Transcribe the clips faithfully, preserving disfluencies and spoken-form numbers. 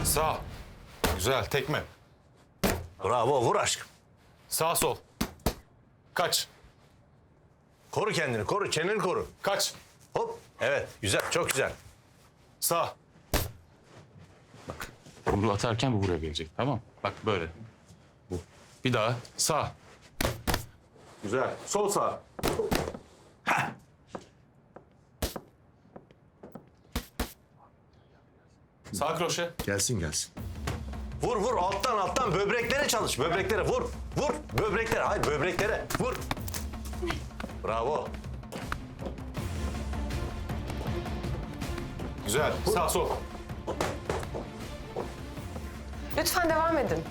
Sağ. Güzel. Tekme. Bravo, vur aşkım. Sağ sol. Kaç. Koru kendini, koru, çeneni koru. Kaç. Hop, evet, güzel, çok güzel. Sağ. Bunu atarken bu buraya gelecek, tamam. Bak böyle. Bu. Bir daha sağ. Güzel. Sol sağ. Sağ kroşe. Gelsin gelsin. Vur, vur, alttan, alttan, böbreklere çalış, böbreklere, vur. Vur, böbreklere, hayır, böbreklere, vur. Bravo. Güzel. Sağ sol. Lütfen devam edin.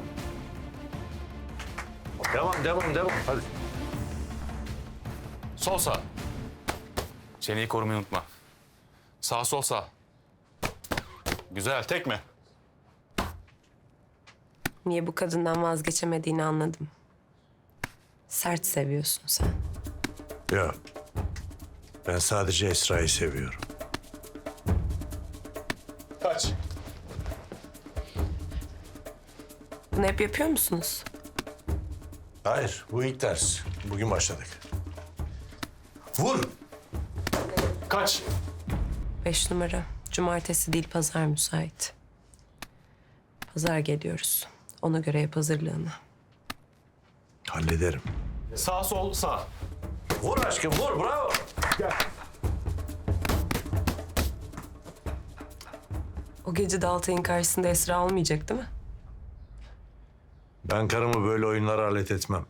Devam, devam, devam. Hadi. Sol sağ. Çeneyi korumayı unutma. Sağ sol sağ. Güzel. Tekme. Niye bu kadından vazgeçemediğini anladım. Sert seviyorsun sen. Yok. Ben sadece Esra'yı seviyorum. Kaç. Bunu hep yapıyor musunuz? Hayır, bu ilk ders. Bugün başladık. Vur. Kaç. Beş numara. Cumartesi değil pazar müsait. Pazar geliyoruz. Ona göre yap hazırlığını. Hallederim. Sağ sol sağ. Vur aşkım, vur, bravo. O gece de Altay'ın karşısında Esra olmayacak değil mi? Ben karımı böyle oyunlara alet etmem.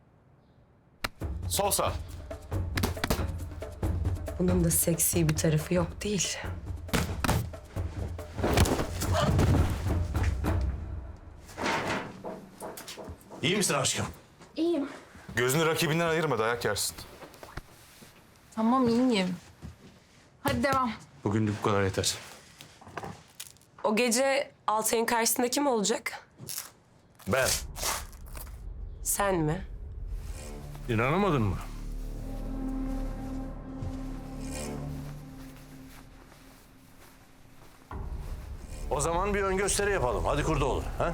Sol sağ. Bunun da seksi bir tarafı yok değil. İyi misin aşkım? İyiyim. Gözünü rakibinden ayırma, dayak yersin. Tamam iyiyim. Hadi devam. Bugünlük bu kadar yeter. O gece Altay'ın karşısında kim olacak? Ben. Sen mi? İnanamadın mı? O zaman bir ön gösteri yapalım. Hadi Kurdoğlu. Ha?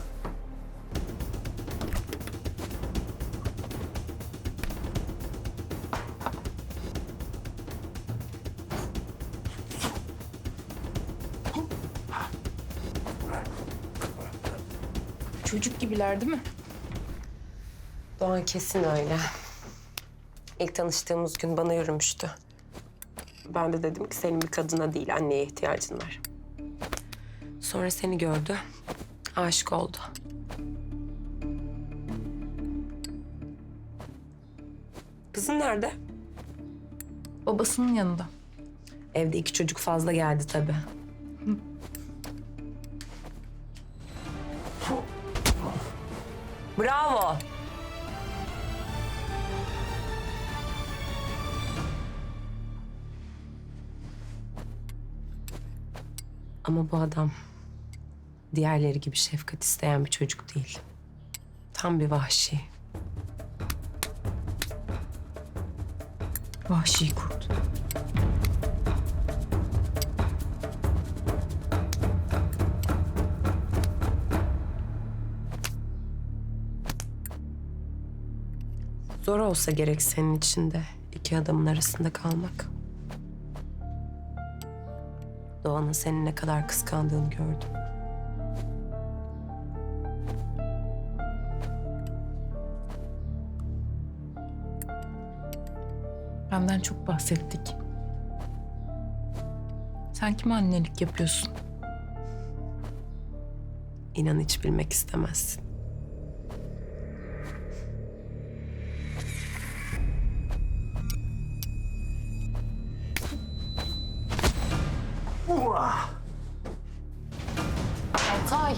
Çocuk gibiler değil mi? Doğan kesin öyle. İlk tanıştığımız gün bana yürümüştü. Ben de dedim ki senin bir kadına değil anneye ihtiyacın var. Sonra seni gördü. Aşık oldu. Kızın nerede? Babasının yanında. Evde iki çocuk fazla geldi tabii. Bravo. Ama bu adam diğerleri gibi şefkat isteyen bir çocuk değil. Tam bir vahşi. Vahşi kurt. Zor olsa gerek senin için de iki adamın arasında kalmak. Doğan'ın seni ne kadar kıskandığını gördüm. Benden çok bahsettik. Sen kime annelik yapıyorsun? İnan hiç bilmek istemezsin. Altay.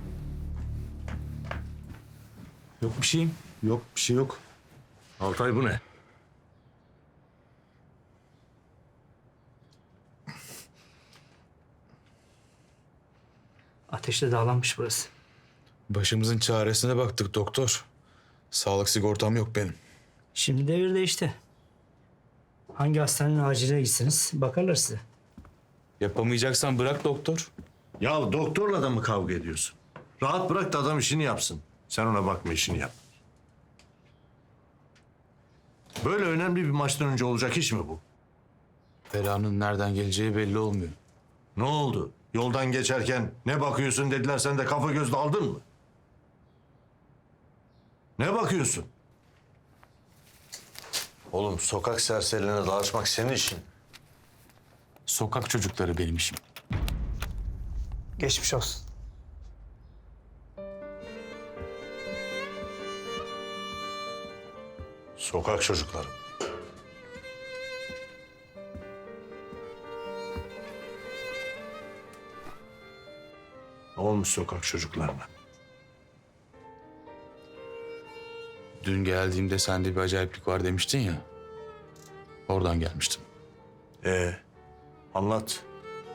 Yok bir şeyim. Yok bir şey yok. Altay bu ne? Ateşle dağlanmış burası. Başımızın çaresine baktık doktor. Sağlık sigortam yok benim. Şimdi devir değişti. Hangi hastanenin aciline gitsiniz bakarlar size. Yapamayacaksan bırak doktor. Ya doktorla da mı kavga ediyorsun? Rahat bırak da adam işini yapsın. Sen ona bakma, işini yap. Böyle önemli bir maçtan önce olacak iş mi bu? Belanın nereden geleceği belli olmuyor. Ne oldu? Yoldan geçerken ne bakıyorsun dediler, sen de kafa göz daldın mı? Ne bakıyorsun? Oğlum sokak serserilerine dağıtmak senin işin. Sokak çocukları benim işim. Geçmiş olsun. Sokak çocukları. Ne olmuş sokak çocuklarına? Dün geldiğimde sende bir acayiplik var demiştin ya. Oradan gelmiştim. Ee, anlat.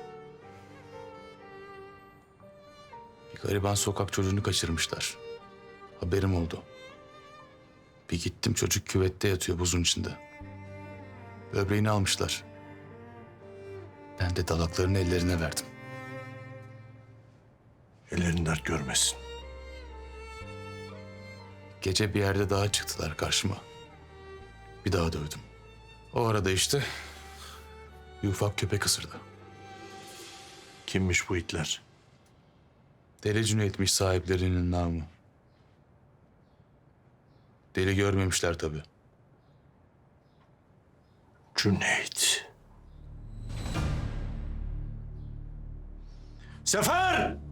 Bir gariban sokak çocuğunu kaçırmışlar. Haberim oldu. Bir gittim, çocuk küvette yatıyor buzun içinde. Böbreğini almışlar. Ben de dalaklarını ellerine verdim. Ellerin dert görmesin. Gece bir yerde daha çıktılar karşıma. Bir daha dövdüm. O arada işte bir ufak köpek ısırdı. Kimmiş bu itler? Deli Cüneyt'miş sahiplerinin namı. Deli görmemişler tabii. Cüneyt. Sefer!